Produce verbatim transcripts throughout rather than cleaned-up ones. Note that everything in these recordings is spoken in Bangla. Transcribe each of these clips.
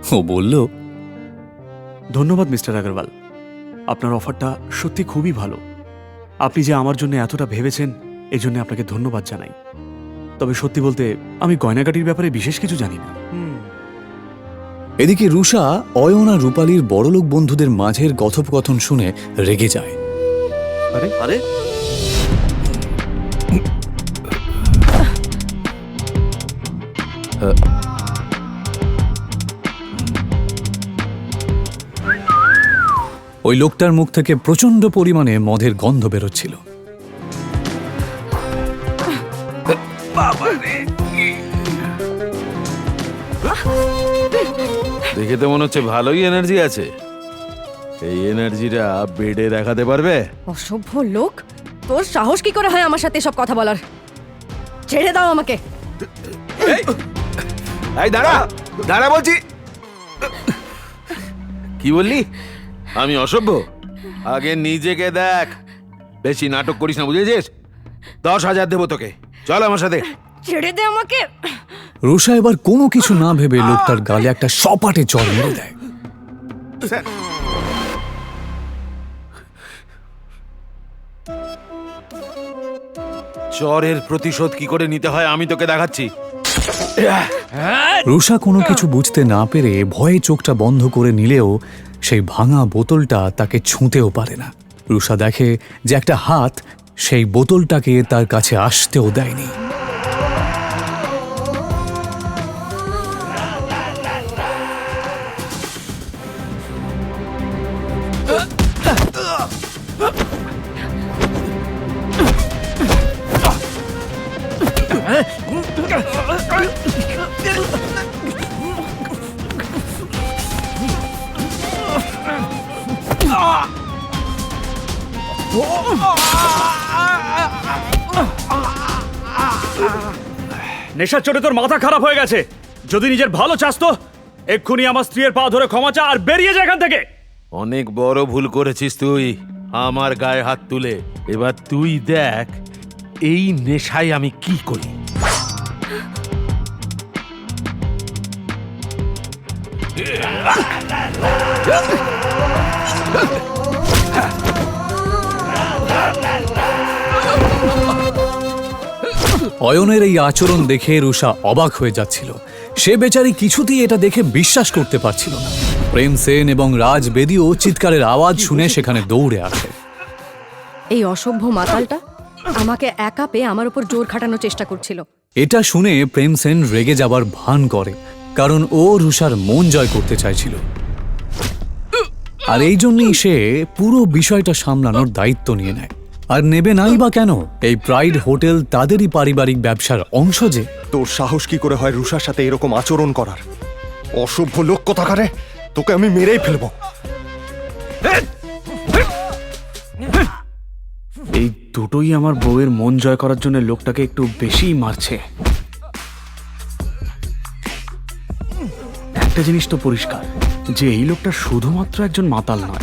ও বলল, ধন্যবাদ মিস্টার আগরওয়াল, আপনার অফারটা সত্যি খুবই ভালো। আপনি যে আমার জন্য এতটা ভেবেছেন এই জন্য আপনাকে ধন্যবাদ জানাই। তবে সত্যি বলতে আমি গয়নাগাটির ব্যাপারে বিশেষ কিছু জানি না। এদিকে রুষা অয়ন আর রূপালীর বড়লোক বন্ধুদের মাঝের কথোপকথন শুনে রেগে যায়। আরে আরে ওই লোকটার মুখ থেকে প্রচন্ড পরিমাণে মদের গন্ধ বেরোচ্ছিল। দেখে তো মনে হচ্ছে ভালোই এনার্জি আছে। এই এনার্জিটা বেডে দেখাতে পারবে? অসভ্য লোক, তোর সাহস কি করে হয় আমার সাথে সব কথা বলার? ছেড়ে দাও আমাকে। এই দাঁড়া দাঁড়া বলছি। কি বললি? আমি অসভ্য? আগে নিজেকে দেখ, বেশি নাটক করিস না, বুঝেছিস? দশ হাজার দেবো তোকে, চল আমার সাথে। ছেড়ে দে আমাকে। রুষা এবার কোনো কিছু না ভেবে লোকটার গালে একটা সপাটে চড় মেরে দেয়। চরের প্রতিশোধ কি করে নিতে হয় আমি তোকে দেখাচ্ছি। রুষা কোনো কিছু বুঝতে না পেরে ভয়ে চোখটা বন্ধ করে নিলেও সেই ভাঙা বোতলটা তাকে ছুঁতেও পারে না। রুষা দেখে যে একটা হাত সেই বোতলটাকে তার কাছে আসতেও দেয়নি। নেশার চোটে তোর মাথা খারাপ হয়ে গেছে। যদি নিজের ভালো চাস তো এক্ষুনি আমার স্ত্রীর পা ধরে ক্ষমা চা আর বেরিয়ে যা এখান থেকে। অনেক বড় ভুল করেছিস তুই আমার গায়ে হাত তুলে। এবার তুই দেখ এই নেশায় আমি কি করি। অয়নের এই আচরণ দেখে রুষা অবাক হয়ে যাচ্ছিল। সে বেচারি কিছুতেই এটা দেখে বিশ্বাস করতে পারছিল না। প্রেম সেন এবং রাজ বেদিও চিৎকারের আওয়াজ শুনে সেখানে দৌড়ে আসে। এই অসভ্য মাতালটা আমাকে একা পেয়ে আমার উপর জোর খাটানোর চেষ্টা করছিল। এটা শুনে প্রেম সেন রেগে যাবার ভান করে, কারণ ও রুষার মন জয় করতে চাইছিল। আর এই জন্যই সে পুরো বিষয়টা সামলানোর দায়িত্ব নিয়ে নেয়। আর নেবে নাই বা কেন? এই প্রাইড হোটেল তাদেরই পারিবারিক ব্যবসার অংশ যে। তোর সাহস কি করে হয় রুষার সাথে এরকম আচরণ করার? অসভ্য লোক কোথাকারে, তোকে আমি মেরেই ফেলবো। এই দুটোই আমার বউয়ের মন জয় করার জন্য লোকটাকে একটু বেশিই মারছে। একটা জিনিস তো পরিষ্কার যে এই লোকটা শুধুমাত্র একজন মাতাল নয়।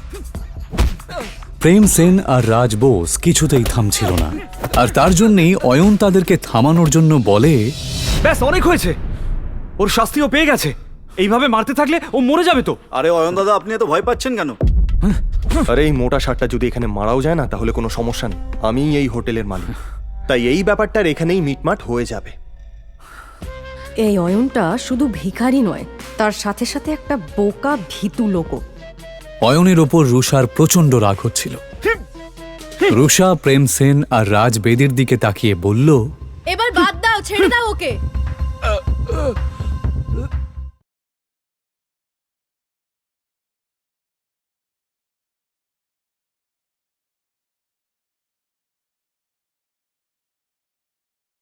প্রেম সেন আর রাজ বোস কিছুতেই থামছিল না, আর তার জন্যই অয়ন তাদেরকে থামানোর জন্য বলে, ব্যাস অনেক হয়েছে, ওর শাস্তিও পেয়ে গেছে। এইভাবে মারতে থাকলে ও মরে যাবে তো। আরে অয়ন দাদা, আপনি এত ভয় পাচ্ছেন কেন? আরে এই মোটা শার্টটা যদি এখানে মারাও যায় না তাহলে কোনো সমস্যা নেই, আমিই এই হোটেলের মালিক। তাই এই ব্যাপারটার এখানেই মিটমাট হয়ে যাবে। এই অয়নটা শুধু ভিখারি নয়, তার সাথে সাথে একটা বোকা ভীতু লোকও। অয়নের ওপর রুষার প্রচন্ড রাগ হচ্ছিল। রুষা প্রেম সেন আর রাজ বেদির দিকে তাকিয়ে বলল, এবার বাদ দাও, ছেড়ে দাও ওকে।